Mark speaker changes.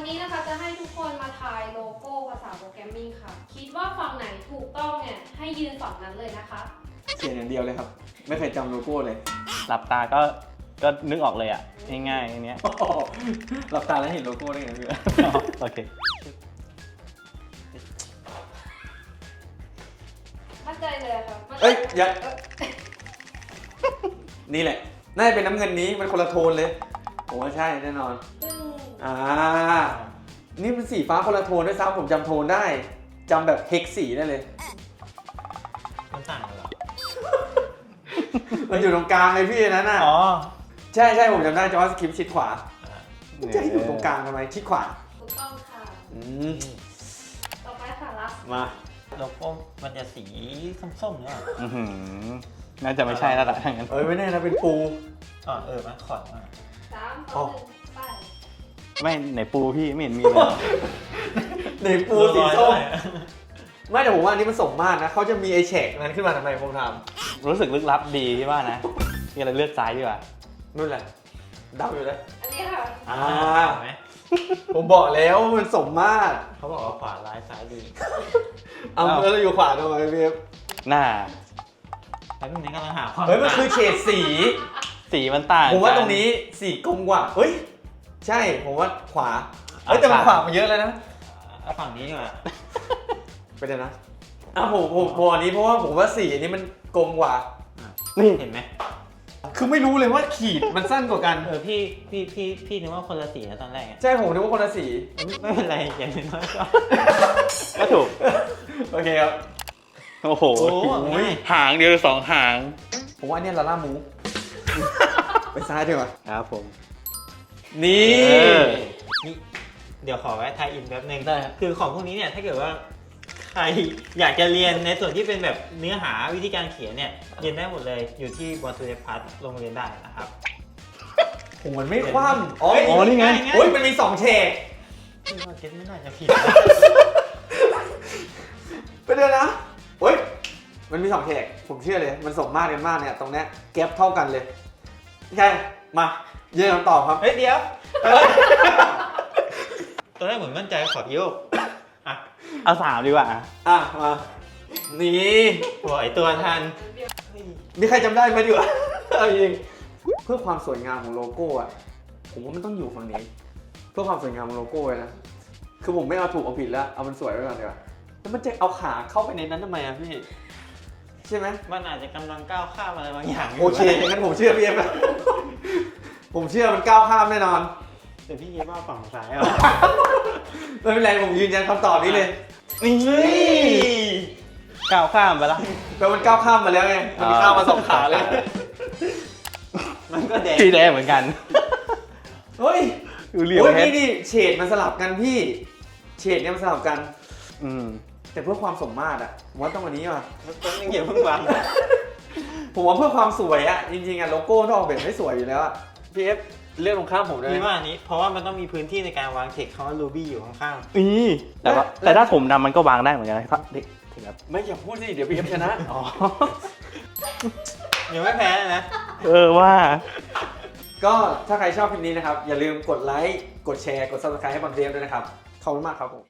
Speaker 1: นี้นะคะจะให้ทุกคนมาทายโลโก้ภาษาโปรแกรมมิ่งค่ะคิดว่าฝั่งไหนถูกต้องเนี่ยให้ยืนฝั่งนั้นเลยนะคะ
Speaker 2: เขียนอย่างเดียวเลยครับไม่เคยจำโลโก้เลย
Speaker 3: หลับตาก็นึกออกเลยอ่ะง่ายๆอันเนี้ย
Speaker 2: หลับตาแล้วเห็นโลโก้ได้ไงพี่
Speaker 3: โอเค
Speaker 1: มั่นใจเลยค่ะ
Speaker 2: เอ้ยอย่านี่แหละน่าจะเป็นน้ำเงินนี้มันคนละโทนเลยผมว่าใช่แน่นอน
Speaker 1: ซึ่ง
Speaker 2: นี่มันสีฟ้าคนละโทนด้วยซ้ำผมจำโทนได้จำแบบเฮกสีได้เลย
Speaker 4: มันต่างกันเหรอ
Speaker 2: มันอยู่ตรงกลางเลยพี่นั้นน่ะ
Speaker 3: อ๋อ
Speaker 2: ใช่ผมจำได้จะว่าสคริปต์ชิดขวาจะให้อยู่ตรงกลางทำไมชิดขวา
Speaker 1: ถูกต้องค่ะ ต่อไปค่ะลัก
Speaker 2: มา
Speaker 4: โลโก้มันจะสีส้มๆเนี่ย
Speaker 3: อื้อหือน่าจะไม่ใช่แล้วล่ะถ้างั้น
Speaker 2: ไม่แน่นะเป็นปู
Speaker 4: มันขอดมา
Speaker 1: 3 2 1 ไป
Speaker 3: ไม่ไหนปูพี่ไม่เห็นมีเลย
Speaker 2: ในปูสีส้มไม่แต่ผมว่าอันนี้มันสมมาตรนะเขาจะมีไอแฉกนั้นขึ้นมาทำไมผมท
Speaker 3: รู้สึกลึกลับดีที่ว่านะนี่อะไรเลือกซ้ายดีกว่า
Speaker 2: ำนู่นแหละเดาอยู่แล้ว
Speaker 1: อันนี้ค่ะ
Speaker 4: เห็นไหม
Speaker 2: ผมบอกแล้วว่ามันสมมาตร
Speaker 4: เขาบอกว่าขวาร้ายซ้ายดี
Speaker 2: เอาแล้วเราอยู่ขวาทำไมพี่
Speaker 3: หน้า
Speaker 4: แล้วตรงนี้กำลังหาความ
Speaker 2: เฮ้ยมันคือเฉดสี
Speaker 3: สีมันต่าง
Speaker 2: ผมว่า
Speaker 3: กั
Speaker 2: ตรงนี้สีกลมกว่าเฮ้ยใช่ผมว่าขวาเฮ้ยแต่มันขวามาเยอะแล้วนะ
Speaker 4: เอาฝั่งนี้ดีกว่า
Speaker 2: ไปเลยนะผมอันนี้เพราะว่าผมว่าสีอันนี้มันกลมกว่า
Speaker 3: นี่
Speaker 4: เห็นไหม
Speaker 2: คือไม่รู้เลยว่าขีดมันสั้นกว่ากัน
Speaker 4: พี่นึกว่าคนละสีนะตอนแรกอะ
Speaker 2: ใช่ผมนึกว่าคนละสี
Speaker 4: ไม่เป็นไรอย่างน้อยก็
Speaker 3: ก็ถูก
Speaker 2: โอเคครับ
Speaker 3: โอ้โห
Speaker 4: โอ้ย
Speaker 3: หางเดียวสองหาง
Speaker 2: ผมว่าเนี่ยลาล่ามูไปซ้ายดีกว่า
Speaker 3: ครับผม
Speaker 2: นี่
Speaker 4: นี่เดี๋ยวขอแวะไทยอินแป๊บนึง
Speaker 2: ได้ครับ
Speaker 4: คือของพวกนี้เนี่ยถ้าเกิดว่าใครอยากจะเรียนในส่วนที่เป็นแบบเนื้อหาวิธีการเขียนเนี่ยเรียนได้หมดเลยอยู่ที่บอลทูเดพัทโรงเรียนได้นะครับ
Speaker 2: ผมมันไม่คว่ำอ๋อ
Speaker 4: เฮ้ย
Speaker 3: อ๋อนี่ไง
Speaker 2: โอ้ยมันมี2เฉก
Speaker 4: พี่ว่าเก็ตไม่น่าจะผิด
Speaker 2: ไปเลยนะโอ้ยมันมี2เฉกผมเชื่อเลยมันสมมาตรกันมากเนี่ยตรงเนี้ยแก๊ปเท่ากันเลยใช่มาเยืนคำตอบครับ
Speaker 4: เฮ้ยเดี๋ยวตอนแรกเหมือนมั่นใจขอโยกอ่ะ
Speaker 3: เอาสามดีกว่า
Speaker 2: มานี่
Speaker 4: ปล่อยตัวทัน
Speaker 2: มีใครจำได้ไหมดีกว่าเอาจริงเพื่อความสวยงามของโลโก้อะผมว่ามันต้องอยู่ฝั่งนี้ เพื่อความสวยงามของโลโก้เลยนะคือผมไม่เอาถูกเอาผิดแล้วเอามันสวยไว้ก่อนดีกว่าแล้วมันจะเอาขาเข้าไปในนั้นทำไมอะพี่ใช่ไหม
Speaker 4: มันอาจจะกำลังก้าวข้ามอะไรบางอย่าง
Speaker 2: โอเคงั้นผมเชื่อพี่เอฟนะผมเชื่อมันก้าวข้ามแน่นอน
Speaker 4: แต่พี่เย็บว่าฝั่งซ้ายอ่ะ
Speaker 2: ไม่เป็นไรผมยืนยันคำตอบนี้เลย
Speaker 3: นี่ก้าวข้ามไปละ
Speaker 2: แล้วมันก้าวข้ามมาแล้วไงมันมีข้ามมา2 ขาเลย
Speaker 4: มันก็แดง
Speaker 3: สีแดงเหมือนกัน
Speaker 2: เฮ้ย
Speaker 3: ดูเหลี่ยม
Speaker 2: โอ้ย
Speaker 3: เพชร
Speaker 2: นี่เฉดมันสลับกันพี่เฉดเนี่ยมันสลับกัน
Speaker 3: อืม
Speaker 2: แต่เพื่อความสมมาตรอะผมว่าต้องอันนี้ว่ะ
Speaker 4: มันต้นยังเหยียบเพิ่งวาง
Speaker 2: ผมว่าเพื่อความสวยอะจริงๆอะโลโก้ต้องออกแบบให้สวยอยู่แล้วอะพี่เอฟเลือกตรงข้ามผมได้ไห
Speaker 4: พี่
Speaker 2: ม
Speaker 4: ว่าอันนี้เพราะว่ามันต้องมีพื้นที่ในการวางเทคคำว่า Ruby อยู่ข้าง
Speaker 3: นี่แต่ถ้าผมดำมันก็วางได้เหมือนกันนะครับเด็กถึงครับ
Speaker 2: ไม่อย่าพูดสิเดี๋ยวพี่เอฟชนะ
Speaker 3: อ๋อ
Speaker 4: ๆยังไม่แพ้เลยนะ
Speaker 3: ว่า
Speaker 2: ก็ถ้าใครชอบคลิปนี้นะครับอย่าลืมกดไลค์กดแชร์กด subscribe ให้บอลเดฟด้วยนะครับขอบคุณมากครับผม